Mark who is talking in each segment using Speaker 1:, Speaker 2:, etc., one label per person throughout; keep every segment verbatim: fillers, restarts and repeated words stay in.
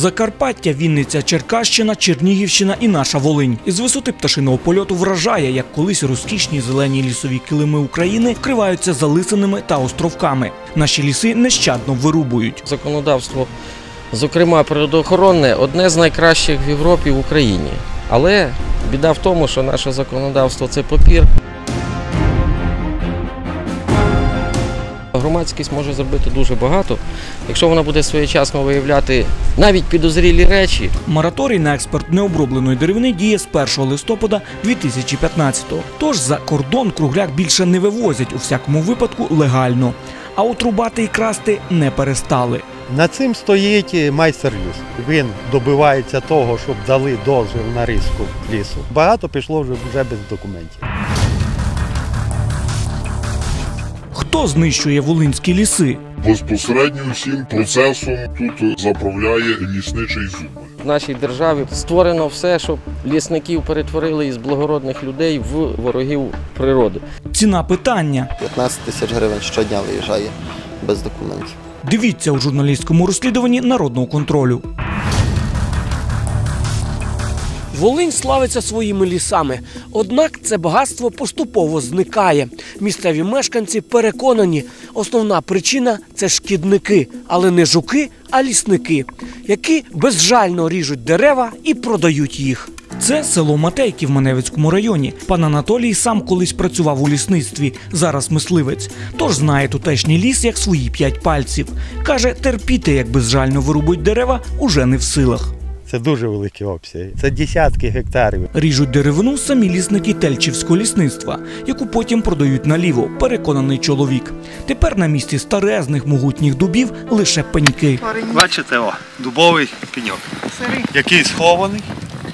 Speaker 1: Закарпаття, Вінниця, Черкащина, Чернігівщина і наша Волинь. Із висоти пташиного польоту вражає, як колись розкішні зелені лісові килими України вкриваються залисинами та островками. Наші ліси нещадно вирубують.
Speaker 2: Законодавство, зокрема природоохоронне, одне з найкращих в Європі і в Україні. Але біда в тому, що наше законодавство – це папір. Громадськість може зробити дуже багато, якщо вона буде своєчасно виявляти навіть підозрілі речі.
Speaker 1: Мораторій на експорт необробленої деревини діє з першого листопада дві тисячі п'ятнадцятого. Тож за кордон кругляк більше не вивозять, у всякому випадку легально. А от рубати і красти не перестали.
Speaker 3: Над цим стоїть майстер лісу. Він добивається того, щоб дали дозвіл на різку лісу. Багато пішло вже, вже без документів.
Speaker 1: Хто знищує волинські ліси?
Speaker 4: Безпосередньо всім процесом тут заправляє лісничий зуб.
Speaker 2: В нашій державі створено все, щоб лісників перетворили із благородних людей в ворогів природи.
Speaker 1: Ціна питання.
Speaker 5: п'ятнадцять тисяч гривень щодня виїжджає без документів.
Speaker 1: Дивіться у журналістському розслідуванні Народного контролю.
Speaker 6: Волинь славиться своїми лісами, однак це багатство поступово зникає. Місцеві мешканці переконані, основна причина – це шкідники, але не жуки, а лісники, які безжально ріжуть дерева і продають їх.
Speaker 1: Це село Матейки в Маневицькому районі. Пан Анатолій сам колись працював у лісництві, зараз мисливець. Тож знає тутешній ліс як свої п'ять пальців. Каже, терпіти, як безжально вирубують дерева, уже не в силах.
Speaker 3: Це дуже великі обсяги. Це десятки гектарів.
Speaker 1: Ріжуть деревину самі лісники Тельчівського лісництва, яку потім продають наліво, переконаний чоловік. Тепер на місці старезних могутніх дубів лише пеньки.
Speaker 3: Бачите, о, дубовий пеньок, який схований.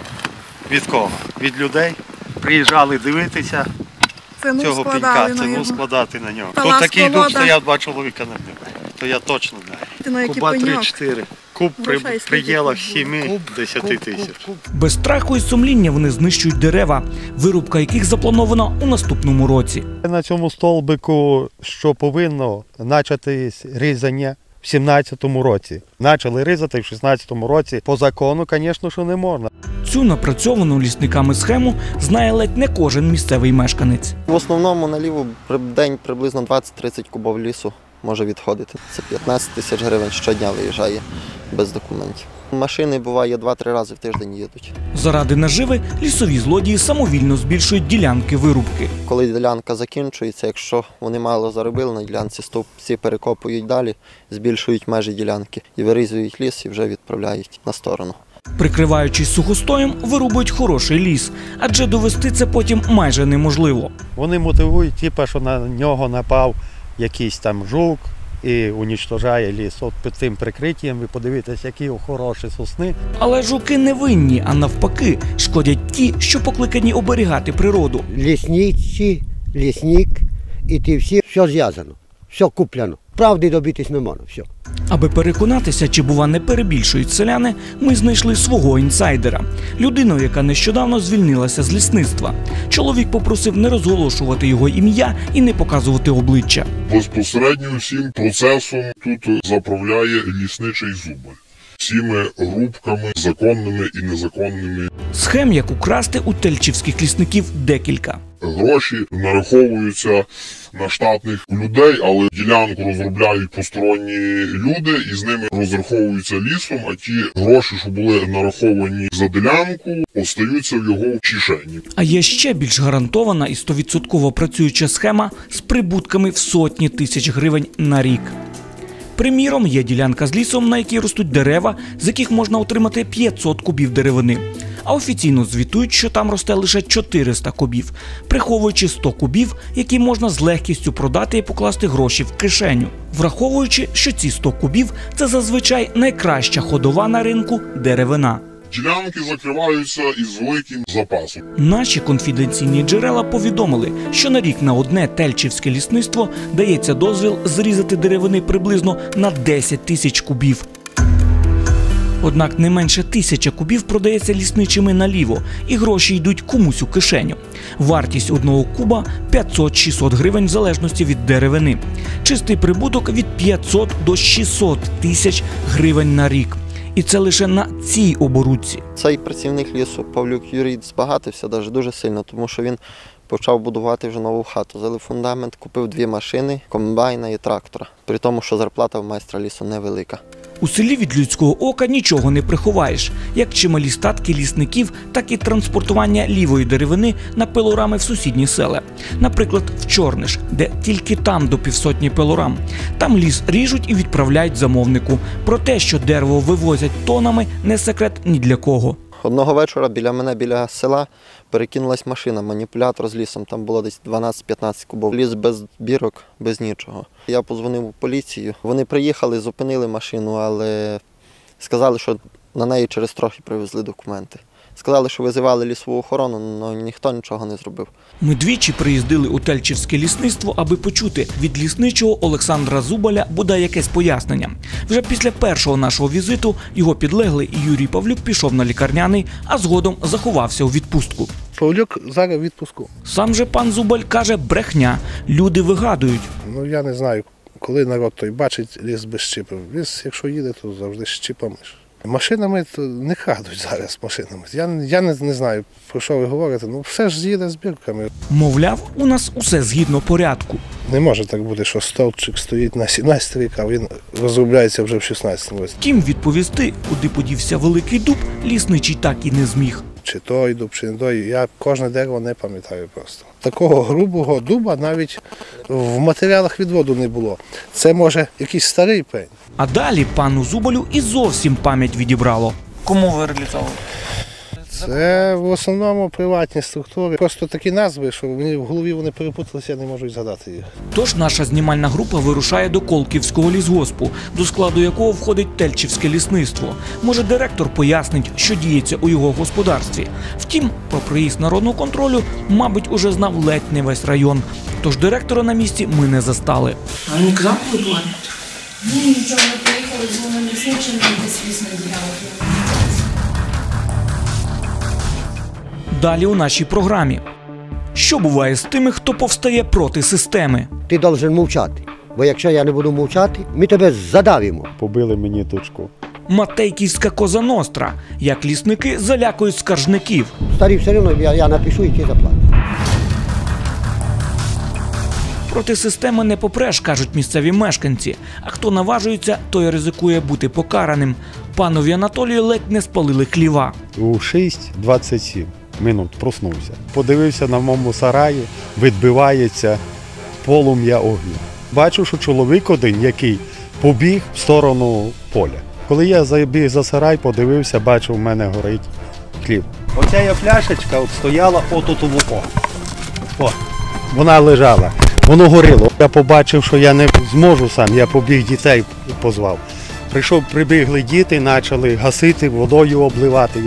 Speaker 3: Від кого? Від людей. Приїжджали дивитися
Speaker 7: Ціну
Speaker 3: цього пенька, ціну складати на нього. Тут такий дуб стояв, два чоловіка на ньому. То я точно знаю. Куба три-чотири. Куб при пределах семи-десяти тисяч.
Speaker 1: Без страху і сумління вони знищують дерева, вирубка яких запланована у наступному році.
Speaker 3: На цьому стовбику, що повинно початись різання в сімнадцятому році. Почали різати в шістнадцятому році. По закону, звісно, що не можна.
Speaker 1: Цю напрацьовану лісниками схему знає ледь не кожен місцевий мешканець.
Speaker 5: В основному наліво в день приблизно двадцять-тридцять кубів лісу може відходити. Це п'ятнадцять тисяч гривень щодня виїжджає без документів. Машини, буває, два-три рази в тиждень їдуть.
Speaker 1: Заради наживи лісові злодії самовільно збільшують ділянки вирубки.
Speaker 5: Коли ділянка закінчується, якщо вони мало заробили на ділянці, стовпці перекопують далі, збільшують межі ділянки і вирізують ліс і вже відправляють на сторону.
Speaker 1: Прикриваючись сухостоєм, вирубують хороший ліс, адже довести це потім майже неможливо.
Speaker 3: Вони мотивують, типу, що на нього напав якийсь там жук і унічтожає ліс. От під цим прикриттям ви подивитесь, які хороші сосни.
Speaker 1: Але жуки не винні, а навпаки, шкодять ті, що покликані оберігати природу.
Speaker 8: Лісниці, лісник і ті всі, все зв'язано, все куплено. Правди добитись не можна, все.
Speaker 1: Аби переконатися, чи, бува, не перебільшують селяни, ми знайшли свого інсайдера. Людину, яка нещодавно звільнилася з лісництва. Чоловік попросив не розголошувати його ім'я і не показувати обличчя.
Speaker 4: Безпосередньо всім процесом тут заправляє лісничий зуб. Всіми рубками, законними і незаконними.
Speaker 1: Схем, як украсти, у тельчівських лісників декілька.
Speaker 4: Гроші нараховуються на штатних людей, але ділянку розробляють посторонні люди і з ними розраховуються лісом, а ті гроші, що були нараховані за ділянку, остаються в його кишені.
Speaker 1: А є ще більш гарантована і сто відсотків працююча схема з прибутками в сотні тисяч гривень на рік. Приміром, є ділянка з лісом, на якій ростуть дерева, з яких можна отримати п'ятсот кубів деревини. А офіційно звітують, що там росте лише чотириста кубів, приховуючи сто кубів, які можна з легкістю продати і покласти гроші в кишеню. Враховуючи, що ці сто кубів – це зазвичай найкраща ходова на ринку деревина.
Speaker 4: Ділянки закриваються із великим запасом.
Speaker 1: Наші конфіденційні джерела повідомили, що на рік на одне тельчівське лісництво дається дозвіл зрізати деревини приблизно на десять тисяч кубів. Однак не менше тисяча кубів продається лісничими наліво, і гроші йдуть комусь у кишеню. Вартість одного куба – п'ятсот-шістсот гривень в залежності від деревини. Чистий прибуток – від п'ятсот до шістсот тисяч гривень на рік. І це лише на цій оборудці.
Speaker 5: Цей працівник лісу, Павлюк Юрій, збагатився навіть дуже сильно, тому що він почав будувати вже нову хату. Залив фундамент, купив дві машини, комбайна і трактора. При тому, що зарплата в майстра лісу невелика.
Speaker 1: У селі від людського ока нічого не приховаєш. Як чималі статки лісників, так і транспортування лівої деревини на пилорами в сусідні села. Наприклад, в Чорниш, де тільки там до півсотні пилорам. Там ліс ріжуть і відправляють замовнику. Про те, що дерево вивозять тонами, не секрет ні для кого.
Speaker 5: Одного вечора біля мене, біля села, перекинулась машина, маніпулятор з лісом. Там було десь дванадцять-п'ятнадцять кубов. Ліс без бірок, без нічого. Я подзвонив у поліцію. Вони приїхали, зупинили машину, але сказали, що на неї через трохи привезли документи. Сказали, що визивали лісову охорону, але ніхто нічого не зробив.
Speaker 1: Ми двічі приїздили у Тельчівське лісництво, аби почути від лісничого Олександра Зубаля бодай якесь пояснення. Вже після першого нашого візиту його підлеглий Юрій Павлюк пішов на лікарняний, а згодом заховався у відпустку.
Speaker 7: Павлюк зараз в відпуску.
Speaker 1: Сам же пан Зубаль каже, брехня. Люди вигадують.
Speaker 7: Ну я не знаю, коли народ той бачить ліс без щипів. Ліс, якщо їде, то завжди з щипами. Машинами то не крадуть зараз машинами. Я, я не, не знаю, про що ви говорите. Ну все ж їде з бірками.
Speaker 1: Мовляв, у нас усе згідно порядку.
Speaker 7: Не може так бути, що стовпчик стоїть на сімнадцятий рік, а він розробляється вже в шістнадцятому році.
Speaker 1: Втім, відповісти, куди подівся великий дуб, лісничий так і не зміг.
Speaker 7: Чи той дуб, чи не той, я кожне дерево не пам'ятаю просто. Такого грубого дуба навіть в матеріалах відводу не було. Це може якийсь старий пень.
Speaker 1: А далі пану Зубалю і зовсім пам'ять відібрало. Кому ви реалізовували?
Speaker 7: Це в основному приватні структури. Просто такі назви, що мені в голові вони перепуталися, я не можу згадати їх.
Speaker 1: Тож наша знімальна група вирушає до Колківського лісгоспу, до складу якого входить Тельчівське лісництво. Може, директор пояснить, що діється у його господарстві. Втім, про приїзд народного контролю, мабуть, уже знав ледь не весь район. Тож директора на місці ми не застали.
Speaker 9: А він казав, коли планують?
Speaker 10: Ні, нічого, ми приїхали з вами лісничим, десь лісна ділянка.
Speaker 1: Далі у нашій програмі. Що буває з тими, хто повстає проти системи?
Speaker 8: Ти повинен мовчати. Бо якщо я не буду мовчати, ми тебе задавимо.
Speaker 3: Побили мені дочку.
Speaker 1: Матейківська Коза Ностра. Як лісники залякують скаржників.
Speaker 8: Старі все одно, я, я напишу і ти заплатиш.
Speaker 1: Проти системи не попреш, кажуть місцеві мешканці. А хто наважується, той ризикує бути покараним. Панові Анатолію ледь не спалили хліва.
Speaker 3: У шість двадцять сім минут проснувся. Подивився на моєму сараї, відбивається полум'я огню. Бачу, що чоловік один, який побіг в сторону поля. Коли я забіг за сарай, подивився, бачу, в мене горить хліб. Оця я пляшечка от стояла отут у вухо. О, вона лежала, воно горіло. Я побачив, що я не зможу сам, я побіг дітей позвав. Прийшов, прибігли діти, почали гасити, водою обливати.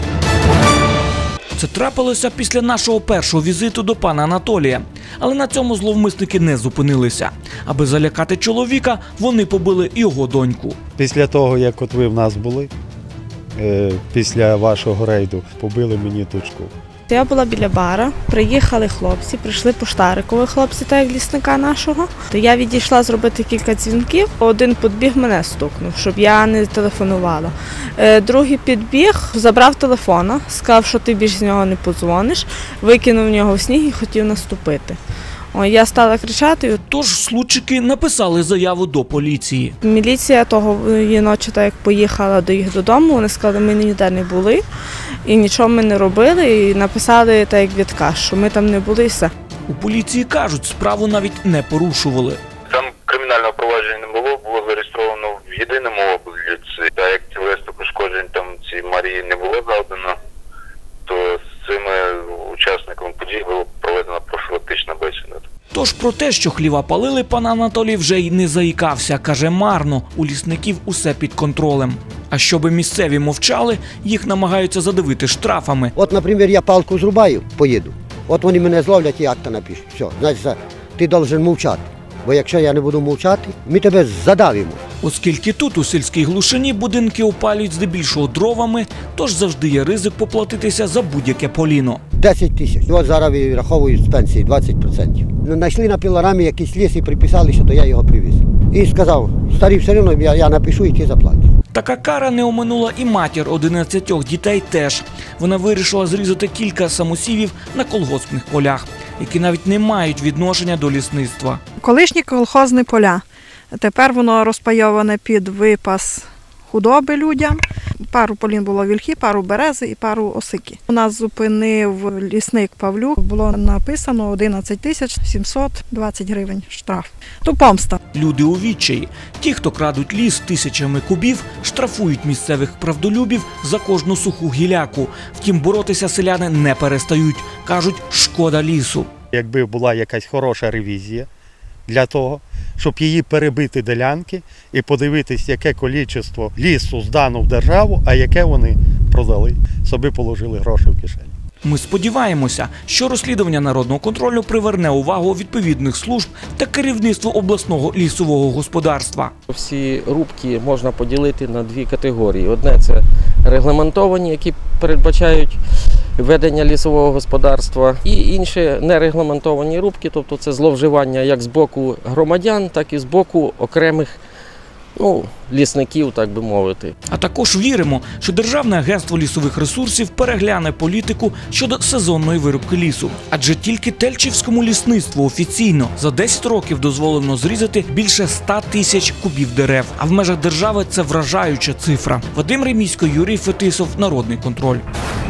Speaker 1: Це трапилося після нашого першого візиту до пана Анатолія. Але на цьому зловмисники не зупинилися. Аби залякати чоловіка, вони побили його доньку.
Speaker 3: Після того, як от ви в нас були, після вашого рейду, побили мені дочку.
Speaker 11: Я була біля бара, приїхали хлопці, прийшли поштарикові хлопці, так як лісника нашого. То я відійшла зробити кілька дзвінків, один підбіг мене стукнув, щоб я не телефонувала. Другий підбіг, забрав телефона, сказав, що ти більше з нього не подзвониш, викинув в нього в сніг і хотів наступити. О, я стала кричати.
Speaker 1: Тож случики написали заяву до поліції.
Speaker 11: Міліція того ночі, так як поїхала до їх додому, вони сказали, ми ніде не були і нічого ми не робили, і написали так як відказ, що ми там не були і все.
Speaker 1: У поліції кажуть, справу навіть не порушували.
Speaker 12: Там кримінального провадження не було, було зареєстровано в єдиному обліці. Та як тілесних пошкоджень там цій Марії не було завдано, то з цими учасниками подій було проведена профілактична бесіда.
Speaker 1: Тож про те, що хліва палили, пан Анатолій вже й не заїкався. Каже, марно, у лісників усе під контролем. А щоби місцеві мовчали, їх намагаються задавити штрафами.
Speaker 8: От, наприклад, я палку зрубаю, поїду. От вони мене зловлять і акта напишуть. Все, значить, ти повинен мовчати. Бо якщо я не буду мовчати, ми тебе задавимо.
Speaker 1: Оскільки тут, у сільській глушині, будинки опалюють здебільшого дровами, тож завжди є ризик поплатитися за будь-яке поліно.
Speaker 8: десять тисяч. От зараз вираховують з пенсії двадцять відсотків. Знайшли на пілорамі якийсь ліс і приписали, що то я його привіз. І сказав, старий, все одно я, я напишу і ти заплатиш.
Speaker 1: Така кара не оминула і матір одинадцятьох дітей теж. Вона вирішила зрізати кілька самосівів на колгоспних полях, які навіть не мають відношення до лісництва.
Speaker 9: Колишні колхозні поля. Тепер воно розпайоване під випас худоби людям. Пару полін було вільхи, пару берези і пару осики. У нас зупинив лісник Павлюк. Було написано одинадцять тисяч сімсот двадцять гривень штраф. То помста.
Speaker 1: Люди у відчаї. Ті, хто крадуть ліс тисячами кубів, штрафують місцевих правдолюбів за кожну суху гіляку. Втім, боротися селяни не перестають. Кажуть, шкода лісу.
Speaker 3: Якби була якась хороша ревізія для того, щоб її перебити ділянки і подивитись, яке кількість лісу здано в державу, а яке вони продали, собі положили гроші в кишені.
Speaker 1: Ми сподіваємося, що розслідування народного контролю приверне увагу відповідних служб та керівництва обласного лісового господарства.
Speaker 2: Всі рубки можна поділити на дві категорії. Одне – це регламентовані, які передбачають ведення лісового господарства, і інші нерегламентовані рубки, тобто це зловживання як з боку громадян, так і з боку окремих ну, лісників, так би мовити.
Speaker 1: А також віримо, що Державне агентство лісових ресурсів перегляне політику щодо сезонної вирубки лісу. Адже тільки Тельчівському лісництву офіційно за десять років дозволено зрізати більше ста тисяч кубів дерев. А в межах держави це вражаюча цифра. Вадим Ремійсько, Юрій Фетисов, Народний контроль.